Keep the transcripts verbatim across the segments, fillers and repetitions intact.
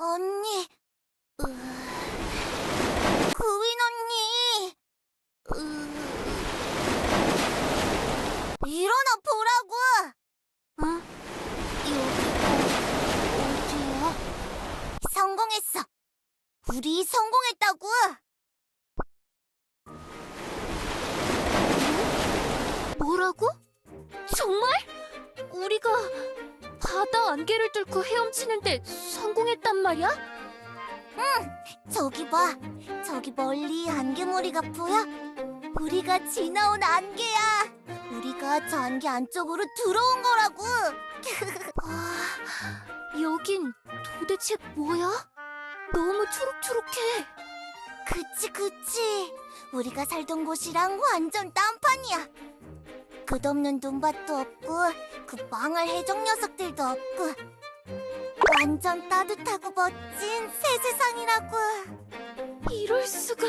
언니, 으... 그윈 언니, 으... 일어나 보라고! 응? 여기 어디야? 성공했어! 우리 성공했다고! 뭐라고? 정말? 우리가 바다 안개를 뚫고 헤엄치는데 성공했단 말이야? 응! 저기 봐! 저기 멀리 안개머리가 보여? 우리가 지나온 안개야! 우리가 저 안개 안쪽으로 들어온 거라고! 와, 여긴 도대체 뭐야? 너무 초록초록해. 그치 그치! 우리가 살던 곳이랑 완전 딴판이야! 끝없는 눈밭도 없고 그 망할 해적 녀석들도 없고 완전 따뜻하고 멋진 새 세상이라고! 이럴 수가.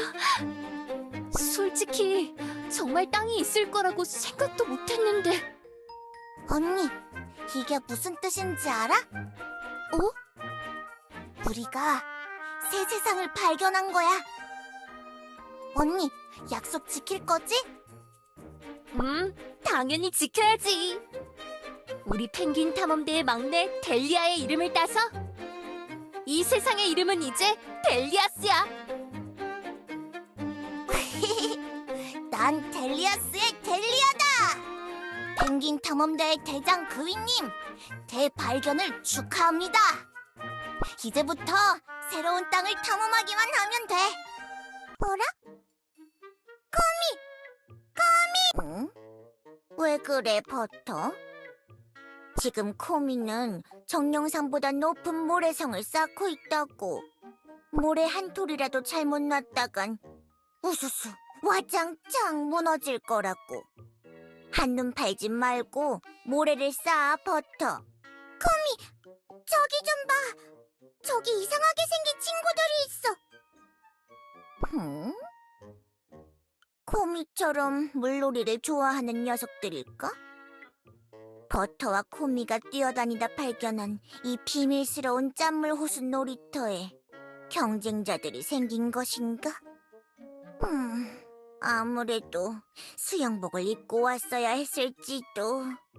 솔직히 정말 땅이 있을 거라고 생각도 못했는데. 언니, 이게 무슨 뜻인지 알아? 어? 우리가 새 세상을 발견한 거야. 언니, 약속 지킬 거지? 음, 당연히 지켜야지. 우리 펭귄 탐험대의 막내 델리아의 이름을 따서 이 세상의 이름은 이제 델리아스야. 난 델리아스의 델리아다! 펭귄 탐험대의 대장 그윈님, 대발견을 축하합니다. 이제부터 새로운 땅을 탐험하기만 하면 돼. 뭐라? 코미! 코미! 응? 왜 그래, 버터? 지금 코미는 정령산보다 높은 모래성을 쌓고 있다고. 모래 한 톨이라도 잘못 놨다간 우수수 와장창 무너질 거라고. 한눈 팔지 말고 모래를 쌓아, 버터. 코미, 저기 좀 봐. 저기 이상하게 생긴 친구들이 있어. 응? 코미처럼 물놀이를 좋아하는 녀석들일까? 버터와 코미가 뛰어다니다 발견한 이 비밀스러운 짠물 호수 놀이터에 경쟁자들이 생긴 것인가? 음, 아무래도 수영복을 입고 왔어야 했을지도.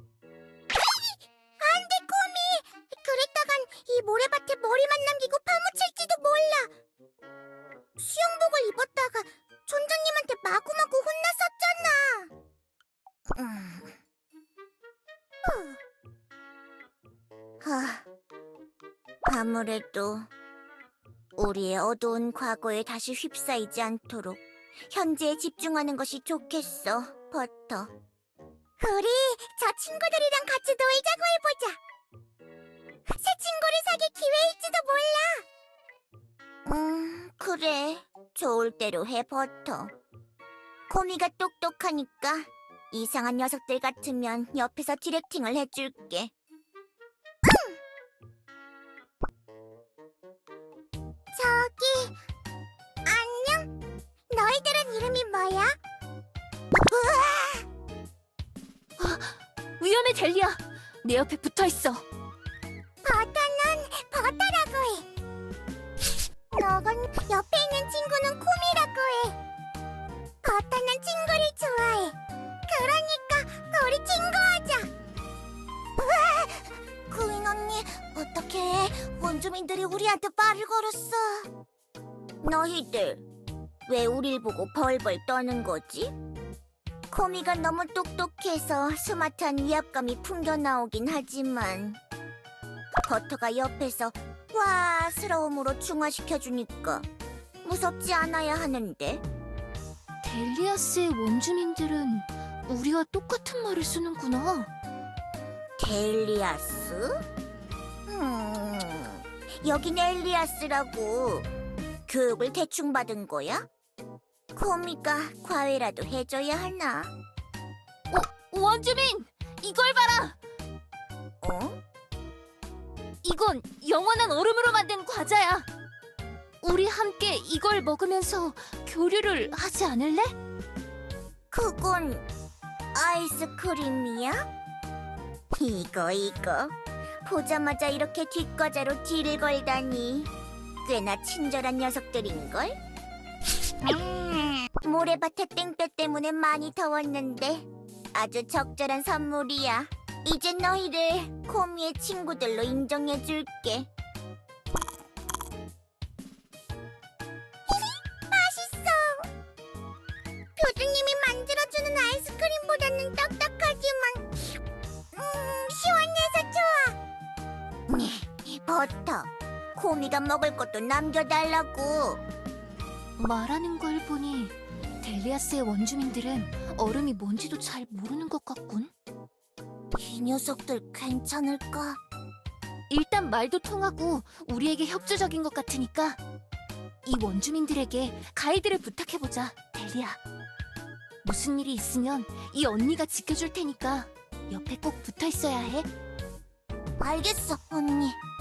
안 돼, 코미! 그랬다간 이 모래밭에 머리만 남기고 파묻힐지도 몰라. 수영복을 입었다가 촌장님한테 마구마구 혼났었잖아. 음... 하... 아무래도 우리의 어두운 과거에 다시 휩싸이지 않도록 현재에 집중하는 것이 좋겠어, 버터. 우리 저 친구들이랑 같이 놀자고 해보자. 새 친구를 사귈 기회일지도 몰라. 음, 그래. 좋을 대로 해, 버터. 코미가 똑똑하니까 이상한 녀석들 같으면 옆에서 디렉팅을 해줄게. 응! 저기, 안녕? 너희들은 이름이 뭐야? 우와! 위험해, 델리아. 내 옆에 붙어있어. 버터는 버터라고 해. 너건 옆에 있는 친구는 코미라고 해. 버터는 친구를 좋아해. 그러니까 우리 친구하자. 우와! 구인 언니, 어떡해. 원주민들이 우리한테 말을 걸었어. 너희들, 왜 우릴 보고 벌벌 떠는 거지? 코미가 너무 똑똑해서 스마트한 위압감이 풍겨나오긴 하지만 버터가 옆에서 와스러움으로 중화시켜주니까 무섭지 않아야 하는데. 델리아스의 원주민들은 우리와 똑같은 말을 쓰는구나. 델리아스? 음, 여긴 엘리아스라고. 교육을 대충 받은 거야? 코미가 과외라도 해줘야 하나? 어, 원주민! 이걸 봐라! 어? 이건 영원한 얼음으로 만든 과자야. 우리 함께 이걸 먹으면서 교류를 하지 않을래? 그건 아이스크림이야? 이거 이거 보자마자 이렇게 뒷과자로 딜을 걸다니. 꽤나 친절한 녀석들인걸? 음, 모래밭의 땡볕 때문에 많이 더웠는데 아주 적절한 선물이야. 이제 너희를 코미의 친구들로 인정해줄게. 맛있어. 교주님이 만들어주는 아이스크림보다는 딱딱하지만 음, 시원해서 좋아. 버터, 코미가 먹을 것도 남겨달라고. 말하는 걸 보니 델리아스의 원주민들은 얼음이 뭔지도 잘 모르는 것 같군. 이 녀석들 괜찮을까? 일단 말도 통하고 우리에게 협조적인 것 같으니까 이 원주민들에게 가이드를 부탁해보자, 델리아. 무슨 일이 있으면 이 언니가 지켜줄 테니까 옆에 꼭 붙어 있어야 해. 알겠어, 언니.